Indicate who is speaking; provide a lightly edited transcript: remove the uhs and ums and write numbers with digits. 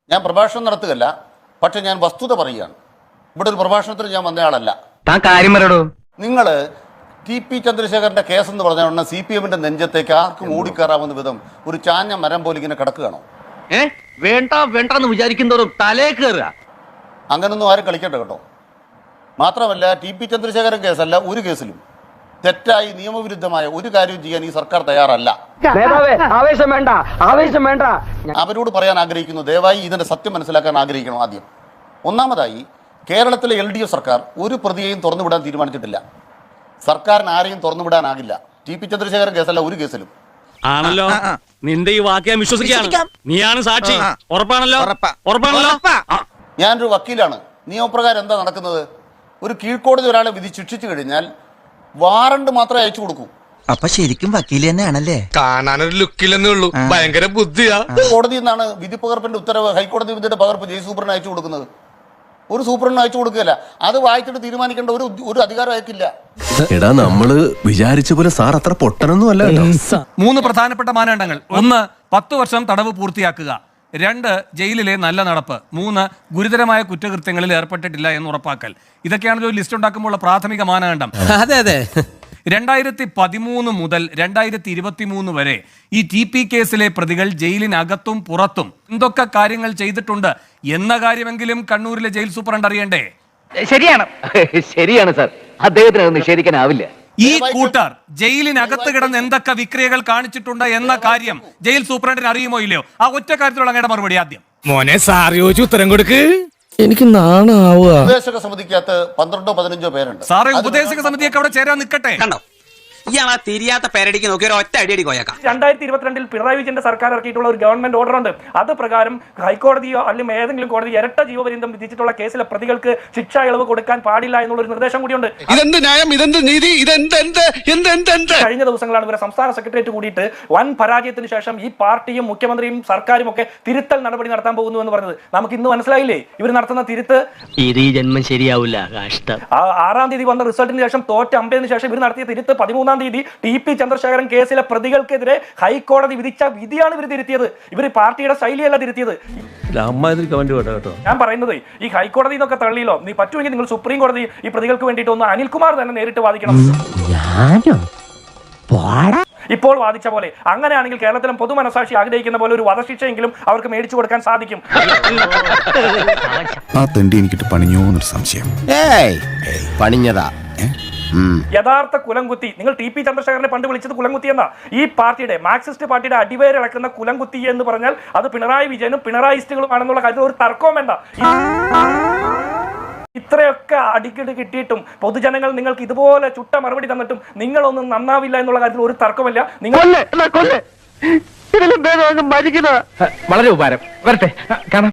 Speaker 1: ഞാൻ പ്രഭാഷണം നടത്തുകയല്ല, പക്ഷെ ഞാൻ വസ്തുത പറയുകയാണ്. ഇവിടെ ഒരു പ്രഭാഷണത്തിന് ഞാൻ വന്നയാളല്ല. നിങ്ങൾ TP ചന്ദ്രശേഖരന്റെ കേസ് എന്ന് പറഞ്ഞ ഉടനെ CPM-ന്റെ നെഞ്ചത്തേക്ക് ആർക്കും ഓടിക്കയറാവുന്ന വിധം ഒരു ചാഞ്ഞ മരം പോലെ ഇങ്ങനെ കിടക്കുകയാണോ?
Speaker 2: വേണ്ടെന്ന് വിചാരിക്കുന്നവരും തലേ കയറുക.
Speaker 1: അങ്ങനൊന്നും ആരും കളിക്കട്ടെ കേട്ടോ. മാത്രമല്ല TP ചന്ദ്രശേഖരൻ കേസല്ല, ഒരു കേസിലും തെറ്റായി നിയമവിരുദ്ധമായ ഒരു കാര്യവും ചെയ്യാൻ ഈ സർക്കാർ തയ്യാറല്ല. അവരോട് പറയാൻ ആഗ്രഹിക്കുന്നു, ദയവായി ഇതിന്റെ സത്യം മനസ്സിലാക്കാൻ ആഗ്രഹിക്കണം. ആദ്യം ഒന്നാമതായി, കേരളത്തിലെ LDF സർക്കാർ ഒരു പ്രതിയെയും തുറന്നുവിടാൻ തീരുമാനിച്ചിട്ടില്ല. സർക്കാരിന് ആരെയും തുറന്നുവിടാനാകില്ല. TP ചന്ദ്രശേഖരൻ കേസല്ല, ഒരു കേസിലും.
Speaker 3: ആണല്ലോ, നിന്റെ ഈ വാക്യം വിശ്വസിക്കാം. നീയാണ് സാക്ഷി. ഉറപ്പാണല്ലോ?
Speaker 1: ഞാനൊരു വക്കീലാണ്. നിയമപ്രകാരം എന്താ നടക്കുന്നത്? ഒരു കീഴ്ക്കോടതി ഒരാളെ വിധി ശിക്ഷിച്ചു കഴിഞ്ഞാൽ വാറണ്ട് മാത്രമേ അയച്ചു കൊടുക്കൂ.
Speaker 4: അപ്പൊ ശരിക്കും വക്കീൽ തന്നെയാണല്ലേ?
Speaker 5: കാണാനൊരു ലുക്കില്ലെന്നേ ഉള്ളൂ, ഭയങ്കര ബുദ്ധിയാ.
Speaker 1: കോടതിയിൽ നിന്നാണ് വിധി പകർപ്പിന്റെ ഉത്തരവ്, ഹൈക്കോടതി വിധിയുടെ പകർപ്പ് ജയിൽ സൂപ്രണ്ടിന് അയച്ചു കൊടുക്കുന്നത്. ഒരു സൂപ്രണ്ടിന് അയച്ചു കൊടുക്കുകയല്ല. അത് വായിച്ചിട്ട് തീരുമാനിക്കേണ്ട ഒരു അധികാരം അയക്കില്ല.
Speaker 6: എടാ, നമ്മള് വിചാരിച്ച പോലെ സാർ അത്ര പൊട്ടനൊന്നും അല്ല.
Speaker 7: 3 പ്രധാനപ്പെട്ട മാനദണ്ഡങ്ങൾ: 1 10 വർഷം തടവ് പൂർത്തിയാക്കുക, 2 ജയിലിലെ നല്ല നടപ്പ്, 3 ഗുരുതരമായ കുറ്റകൃത്യങ്ങളിൽ ഏർപ്പെട്ടിട്ടില്ല എന്ന് ഉറപ്പാക്കൽ. ഇതൊക്കെയാണ് ഒരു ലിസ്റ്റ് ഉണ്ടാക്കുമ്പോൾ പ്രാഥമിക മാനദണ്ഡം.
Speaker 4: അതെ അതെ.
Speaker 7: 2013 മുതൽ 2023 വരെ ഈ TP കേസിലെ പ്രതികൾ ജയിലിനകത്തും പുറത്തും എന്തൊക്കെ കാര്യങ്ങൾ ചെയ്തിട്ടുണ്ട് എന്ന കാര്യമെങ്കിലും കണ്ണൂരിലെ ജയിൽ സൂപ്രണ്ട് അറിയണ്ടേ?
Speaker 2: ശരിയാണ് സാർ, അദ്ദേഹത്തിന് അത് നിഷേധിക്കാനാവില്ല.
Speaker 7: ഈ കൂട്ടർ ജയിലിനകത്ത് കിടന്ന് എന്തൊക്കെ വിക്രിയകൾ കാണിച്ചിട്ടുണ്ട് എന്ന കാര്യം ജയിൽ സൂപ്രണ്ടിന് അറിയുമോ ഇല്ലയോ? ആ ഒറ്റ കാര്യത്തിലുള്ള അങ്ങയുടെ മറുപടി ആദ്യം.
Speaker 5: മോനെ സാർ ചോദിച്ചു ഉത്തരം കൊടുക്ക്.
Speaker 4: എനിക്ക് നാണാവുക.
Speaker 1: ഉപദേശക സമിതിക്കകത്ത് 12-15 പേരുണ്ട്.
Speaker 7: സാറേ, ഉപദേശക സമിതിയൊക്കെ അവിടെ ചേരാൻ നിൽക്കട്ടെ.
Speaker 4: ഇയാളാ തിരിയാത്ത പേരടിക്ക് നോക്കി ഒരു ഒറ്റ അടിയടി കോയക്കാം.
Speaker 8: 2022 പിണറായി വിജയന്റെ സർക്കാർ ഇറക്കിയിട്ടുള്ള ഒരു ഗവൺമെന്റ് ഓർഡർ ഉണ്ട്. അത് പ്രകാരം ഹൈക്കോടതിയോ അല്ലെങ്കിൽ ഏതെങ്കിലും കോടതി ഇരട്ട ജീവപര്യന്തം വിധിച്ചിട്ടുള്ള കേസിലെ പ്രതികൾക്ക് ശിക്ഷാ ഇളവ് കൊടുക്കാൻ പാടില്ല എന്നുള്ള ഒരു നിർദ്ദേശം കൂടിയുണ്ട്.
Speaker 5: ഇതെന്ത് ന്യായം, ഇതെന്ത് നീതി,
Speaker 8: കഴിഞ്ഞ ദിവസങ്ങളാണ് ഇവരെ സംസ്ഥാന സെക്രട്ടേറിയറ്റ് കൂടിയിട്ട് വൻ പരാജയത്തിന് ശേഷം ഈ പാർട്ടിയും മുഖ്യമന്ത്രിയും സർക്കാരും ഒക്കെ തിരുത്തൽ നടപടി നടത്താൻ പോകുന്നു എന്ന് പറഞ്ഞത്. നമുക്ക് ഇന്ന് മനസ്സിലായില്ലേ ഇവർ നടത്തുന്ന തിരുത്ത്?
Speaker 2: ഇത് ജന്മം ശരിയാവില്ല.
Speaker 8: 6-ാം തീയതി വന്ന റിസൾട്ടിന് ശേഷം തോറ്റ 50-ന് ശേഷം ഇവർ നടത്തിയ തിരുത്ത് 13-ാം തീയതി TP ചന്ദ്രശേഖരൻ കേസിലെ പ്രതികൾക്കെതിരെ ഹൈക്കോടതി വിധിച്ച വിധിയാണ് ഇവർ തിരുത്തിയത്. ഇവർ പാർട്ടിയുടെ ശൈലിയല്ല തിരുത്തിയത്. ഞാൻ പറയുന്നത് ഈ ഹൈക്കോടതി എന്നൊക്കെ തള്ളിയില്ലോ, നീ പറ്റുമെങ്കിൽ നിങ്ങൾ സുപ്രീം കോടതി ഈ പ്രതികൾക്ക് വേണ്ടിയിട്ട് ഒന്ന് അനിൽകുമാർ തന്നെ നേരിട്ട് വാദിക്കണം. ഇപ്പോൾ വാദിച്ച പോലെ. അങ്ങനെയാണെങ്കിൽ കേരളത്തിലും പൊതുമനസാക്ഷി ആഗ്രഹിക്കുന്ന പോലെ ഒരു വധശിക്ഷയെങ്കിലും അവർക്ക് മേടിച്ചു കൊടുക്കാൻ സാധിക്കും.
Speaker 6: ആ തെണ്ടി എനിക്കിട്ട് പണിഞ്ഞോന്നൊരു സംശയം.
Speaker 4: പണിഞ്ഞതാ.
Speaker 8: യഥാർത്ഥ കുലംകുത്തി. നിങ്ങൾ TP ചന്ദ്രശേഖരനെ പണ്ട് വിളിച്ചത് കുലംകുത്തി എന്നാ. ഈ പാർട്ടിയുടെ മാർക്സിസ്റ്റ് പാർട്ടിയുടെ അടിവേരിളക്കുന്ന കുലംകുത്തി എന്ന് പറഞ്ഞാൽ അത് പിണറായി വിജയനും പിണറായിസ്റ്റുകളും ആണെന്നുള്ള കാര്യത്തിൽ ഒരു തർക്കവും വേണ്ട. ഇത്രയൊക്കെ അടിക്കടി കിട്ടിയിട്ടും പൊതുജനങ്ങൾ നിങ്ങൾക്ക് ഇതുപോലെ ചുട്ട മറുപടി തന്നിട്ടും നിങ്ങളൊന്നും നന്നാവില്ല എന്നുള്ള കാര്യത്തിൽ ഒരു തർക്കമില്ല. നിങ്ങൾ
Speaker 2: വളരെ ഉപകാരം. വരട്ടെ, കാണാം.